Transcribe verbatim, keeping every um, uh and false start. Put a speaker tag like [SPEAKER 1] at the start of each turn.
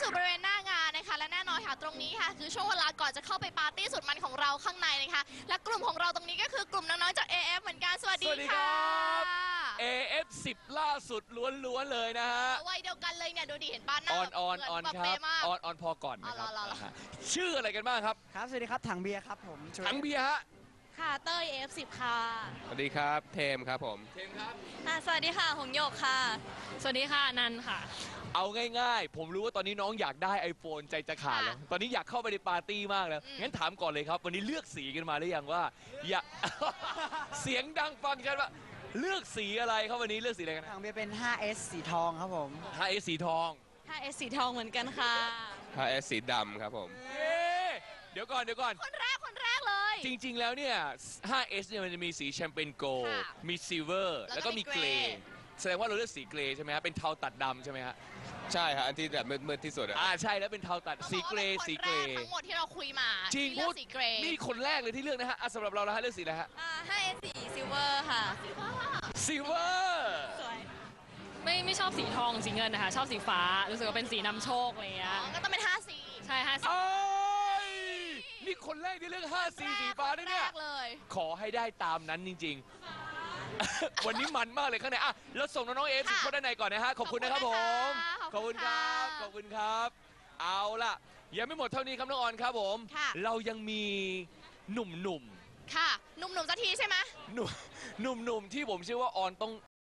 [SPEAKER 1] สู่บริเวณหน้างานนะคะและแน่นอนค่ะตรงนี้ค่ะคือช่วงเวลาก่อนจะเข้าไปปาร์ตี้สุดมันของเราข้างในนะคะและกลุ่มของเราตรงนี้ก็คือกลุ่มน้องๆจาก เอ เอฟ เหมือนกันสวัสดี
[SPEAKER 2] สวัสดีค
[SPEAKER 1] ค่ะ
[SPEAKER 2] รับ เอ เอฟ สิบ ล่าสุดล้วนๆเลยนะฮะ
[SPEAKER 1] วัยเดียวกันเลยเนี่ยดูดิเห็นป้าหน้า
[SPEAKER 2] ออนออน
[SPEAKER 1] เหมื
[SPEAKER 2] ออน
[SPEAKER 1] แบบ
[SPEAKER 2] ครับ
[SPEAKER 1] เป๊ะมาก
[SPEAKER 2] ออนออนพอก่อนนะครับ
[SPEAKER 1] อ๋อเหรอเหรอ
[SPEAKER 2] นะฮะชื่ออะไรกันบ้างครับ
[SPEAKER 3] ครับ สวัสดีครับ ถังเบียร์ครับผม
[SPEAKER 2] ถังเบียร์ฮะ
[SPEAKER 1] ค่ะเต้ย เอ เอฟ สิบ ค่ะ
[SPEAKER 4] สวัสดีครับ เทมครับผม
[SPEAKER 2] เทมครับ
[SPEAKER 1] ค่ะสวัสดีค่ะหงโยกค่ะ สวัสดีค่ะนันค่ะ
[SPEAKER 2] เอาง่ายๆ ผมรู้ว่าตอนนี้น้องอยากได้ iPhone ใจจะขาดแล้ว
[SPEAKER 1] ค่ะ
[SPEAKER 2] ตอนนี้อยากเข้าไปในปาร์ตี้มากแล้ว
[SPEAKER 1] อืม
[SPEAKER 2] งั้นถามก่อนเลยครับ วันนี้เลือกสีกันมาหรือยังว่า อยาก เสียงดังฟังชัดว่าเลือกสีอะไรครับวันนี้เลือกสีอะไรกัน
[SPEAKER 3] ถังเบียร์เป็น ไฟว์เอส สีทองครับผม
[SPEAKER 2] ไฮเอสีทอง
[SPEAKER 1] ค่ะเอสสีทองเหมือนกันค่ะ
[SPEAKER 4] ถ้าเอสสีดำครับผม
[SPEAKER 2] เอ๊ะเดี๋ยวก่อนเดี๋ยวก่อน
[SPEAKER 1] คนแรกคนแรกเลย
[SPEAKER 2] จริงๆ แล้วเนี่ย ไฟว์เอส เนี่ยมันจะมีสีแชมเปญโกลด์
[SPEAKER 1] ค่ะ
[SPEAKER 2] มีซิลเวอร์
[SPEAKER 1] แล้
[SPEAKER 2] แล้ว ว
[SPEAKER 1] ก็
[SPEAKER 2] ก็
[SPEAKER 1] มี
[SPEAKER 2] มีเกร
[SPEAKER 1] เกรย์
[SPEAKER 2] ย์ แสดงว่าเราเลือกสีเกรย์ใช่ไหมฮะ เป็นเทาตัดดำใช่ไหมฮะ
[SPEAKER 4] ใช่ครับ อันที่แบบมืดๆที่สุดอะ
[SPEAKER 2] อ่าใช่แล้วเป็นเทาตัด
[SPEAKER 1] ต้อง
[SPEAKER 2] สี
[SPEAKER 1] บอก
[SPEAKER 2] เกร
[SPEAKER 1] ว่า
[SPEAKER 2] ย์
[SPEAKER 1] ป็น
[SPEAKER 2] สี
[SPEAKER 1] คน
[SPEAKER 2] เกร
[SPEAKER 1] แร
[SPEAKER 2] ย์
[SPEAKER 1] ทั้งหมดที่เราคุยมา
[SPEAKER 2] จริง
[SPEAKER 1] ที่เลื
[SPEAKER 2] พู
[SPEAKER 1] อ
[SPEAKER 2] ด
[SPEAKER 1] กสีเกรย์
[SPEAKER 2] นี่คนแรกเลยที่เลือกนะฮะอ่ะสำหรับเราแล้วฮะเลือกสีอะไรฮะ
[SPEAKER 1] ห้าเอสสีซิลเวอร์ค่ะ
[SPEAKER 2] ซิลเวอร์
[SPEAKER 1] สวย
[SPEAKER 5] ไม่ไม่ชอบสีทองสีเงินนะคะ ชอบสีฟ้า รู้สึกว่าเป็นสีนำโชคอะไรเงี้
[SPEAKER 1] อ๋
[SPEAKER 5] ย
[SPEAKER 1] อก็ต้องเป็นห้าสี
[SPEAKER 5] ใช่ฮะ
[SPEAKER 2] โอ้ยนี่คนแรกที่เลือกห้าสีสีฟ้าด้วยเนี่ย
[SPEAKER 1] แรกเลย
[SPEAKER 2] ขอให้ได้ตามนั้นจริงๆ วันนี้มันมากเลยข้างในอ่ะแล้วส่งน้องๆเอฟสิบคนด้านในก่อนนะฮะ ขอบคุณนะครับผม
[SPEAKER 1] ขอบคุณ
[SPEAKER 2] ค
[SPEAKER 1] ค่ะ
[SPEAKER 2] รับ ขอบคุณครับ เอาล่ะ ยังไม่หมดเท่านี้ครับน้องออนครับผม
[SPEAKER 1] ค่ะ
[SPEAKER 2] เรายังมีหนุ่มๆ
[SPEAKER 1] ค่ะหนุ่มๆสักทีใช่ไหม
[SPEAKER 2] หนุ่มหนุ่มๆที่ผมเชื่อว่าออนต้อง